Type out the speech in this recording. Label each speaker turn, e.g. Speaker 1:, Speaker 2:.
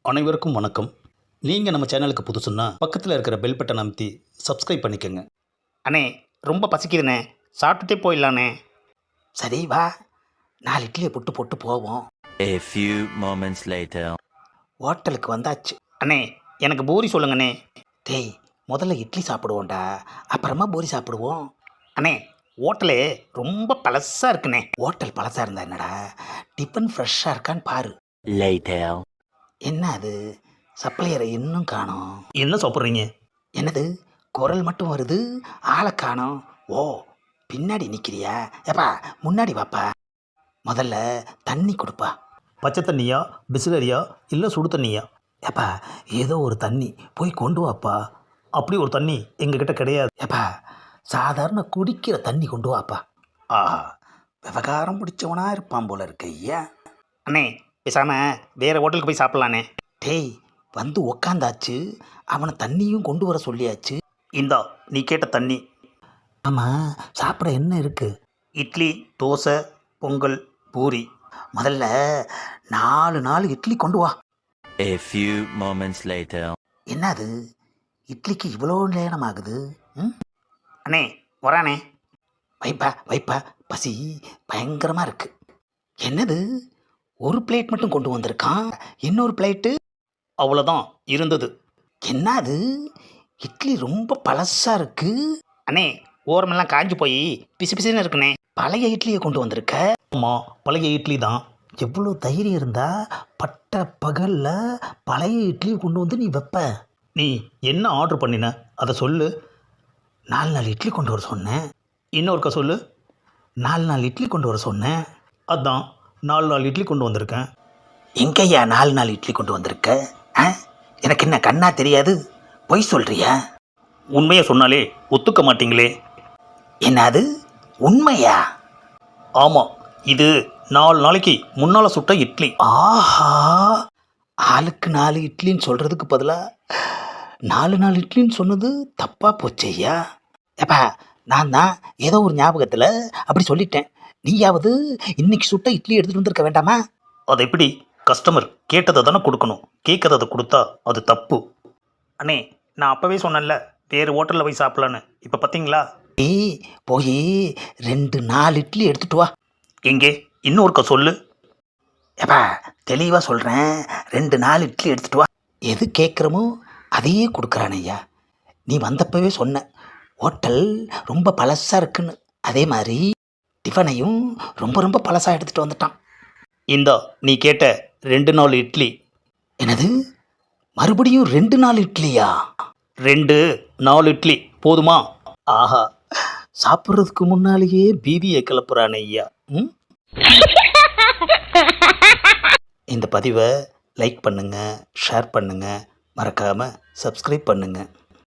Speaker 1: அனைவருக்கும் வணக்கம். நீங்கள் நம்ம சேனலுக்கு புதுசுன்னா பக்கத்தில் இருக்கிற பெல் பட்டனை அமைத்தி சப்ஸ்கிரைப் பண்ணிக்கோங்க.
Speaker 2: அண்ணே ரொம்ப பசிக்குதுண்ணே, சாப்பிட்டுட்டே போயிடலாண்ணே.
Speaker 3: சரி வா, 4 இட்லியை புட்டு போட்டு போவோம்.
Speaker 4: A few moments later.
Speaker 3: ஹோட்டலுக்கு வந்தாச்சு.
Speaker 2: அண்ணே எனக்கு பூரி சொல்லுங்கண்ணே.
Speaker 3: டேய், முதல்ல இட்லி சாப்பிடுவோம்டா, அப்புறமா பூரி சாப்பிடுவோம்.
Speaker 2: அண்ணே ஹோட்டலு ரொம்ப பழசாக இருக்குண்ணே.
Speaker 3: ஹோட்டல் பழசாக இருந்தா என்னடா, டிஃபன் ஃப்ரெஷ்ஷாக இருக்கான்னு பாரு.
Speaker 4: Later.
Speaker 3: என்ன அது, சப்ளையரை இன்னும் காணோம்.
Speaker 1: என்ன சாப்பிட்றீங்க?
Speaker 3: என்னது, குரல் மட்டும் வருது, ஆளை காணோம். ஓ, பின்னாடி நிற்கிறியா? ஏப்பா முன்னாடி வாப்பா. முதல்ல தண்ணி கொடுப்பா.
Speaker 1: பச்சை தண்ணியா, பிஸ்லரியா, இல்லை சுடு தண்ணியா?
Speaker 3: ஏப்பா ஏதோ ஒரு தண்ணி போய் கொண்டு வாப்பா.
Speaker 1: அப்படி ஒரு தண்ணி எங்ககிட்ட கிடையாது.
Speaker 3: ஏப்பா சாதாரண குடிக்கிற தண்ணி கொண்டு வாப்பா. ஆஹா, விவகாரம் பிடிச்சவனா இருப்பான் போல இருக்கு ஐயா.
Speaker 2: அண்ணே பேசாமல் வேறு ஹோட்டலுக்கு போய் சாப்பிட்லாண்ணே.
Speaker 3: டேய், வந்து உக்காந்தாச்சு, அவனை தண்ணியும் கொண்டு வர சொல்லியாச்சு.
Speaker 2: இந்தா நீ கேட்ட தண்ணி.
Speaker 3: ஆமாம், சாப்பிட என்ன இருக்குது?
Speaker 2: இட்லி, தோசை, பொங்கல், பூரி.
Speaker 3: முதல்ல 4 இட்லி கொண்டு வா.
Speaker 4: A few moments later.
Speaker 3: என்னது, இட்லிக்கு இவ்வளோ நேரம் ஆகுது? ம்,
Speaker 2: அண்ணே வரானே.
Speaker 3: வைப்பா வைப்பா, பசி பயங்கரமாக இருக்கு. என்னது, ஒரு பிளேட் மட்டும் கொண்டு வந்திருக்கான், இன்னொரு பிளேட்டு
Speaker 2: அவ்வளோதான் இருந்தது.
Speaker 3: என்னது, இட்லி ரொம்ப பழசாக இருக்கு.
Speaker 2: அண்ணே ஓரமெல்லாம் காஞ்சி போய் பிசு பிசுன்னு இருக்குண்ணே.
Speaker 3: பழைய இட்லியை கொண்டு வந்திருக்க.
Speaker 1: ஆமாம், பழைய இட்லி தான்.
Speaker 3: எவ்வளோ தைரியம் இருந்தா பட்ட பகலில் பழைய இட்லியை கொண்டு வந்து நீ வைப்ப?
Speaker 1: நீ என்ன ஆர்டர் பண்ணின அதை சொல்லு.
Speaker 3: 4 இட்லி கொண்டு வர சொன்னேன்.
Speaker 1: இன்னொருக்கா சொல்லு.
Speaker 3: 4 இட்லி கொண்டு வர சொன்னேன்.
Speaker 1: அதான் 4 இட்லி கொண்டு வந்திருக்கேன்.
Speaker 3: எங்கய்யா 4 இட்லி கொண்டு வந்திருக்க? ஆ, எனக்கு என்ன கண்ணா தெரியாது, பொய் சொல்றியா?
Speaker 2: உண்மையை சொன்னாலே ஒத்துக்க மாட்டீங்களே.
Speaker 3: என்னது, உண்மையா?
Speaker 2: ஆமாம், இது 4 நாளைக்கு முன்னால் சுட்ட இட்லி.
Speaker 3: ஆஹா, ஆளுக்கு 4 இட்லின்னு சொல்கிறதுக்கு பதிலாக 4 இட்லின்னு சொன்னது தப்பாக போச்சையா. ஏப்பா, நான் தான் ஏதோ ஒரு ஞாபகத்தில் அப்படி சொல்லிட்டேன். நீயாவது இன்னைக்கு சுட்ட இட்லி எடுத்துகிட்டு வந்திருக்க வேண்டாமா?
Speaker 2: அது எப்படி? கஸ்டமர் கேட்டதை தானே கொடுக்கணும், கேட்கறதை கொடுத்தா அது தப்பு. அண்ணே நான் அப்போவே சொன்னேன்ல வேறு ஹோட்டலில் போய் சாப்பிட்லான்னு. இப்போ பார்த்தீங்களா?
Speaker 3: ஏய், போய் 4 இட்லி எடுத்துட்டு வா.
Speaker 2: எங்கே இன்னொருக்க சொல்லு.
Speaker 3: ஏப்பா தெளிவாக சொல்கிறேன், 4 இட்லி எடுத்துட்டு வா. எது கேட்குறமோ அதையே கொடுக்குறான் ஐயா. நீ வந்தப்பவே சொன்ன ஹோட்டல் ரொம்ப பழசாக இருக்குன்னு, அதே மாதிரி டிஃபனையும் ரொம்ப பழசாக எடுத்துகிட்டு வந்துட்டான்.
Speaker 2: இந்தா நீ கேட்ட 2 இட்லி.
Speaker 3: என்னது, மறுபடியும் 2 இட்லியா?
Speaker 2: 4 இட்லி போதுமா?
Speaker 3: ஆஹா, சாப்பிட்றதுக்கு முன்னாலேயே பீதியை கிளப்புறான் ஐயா. ம், இந்த பதிவை லைக் பண்ணுங்கள், ஷேர் பண்ணுங்கள், மறக்காமல் சப்ஸ்கிரைப் பண்ணுங்கள்.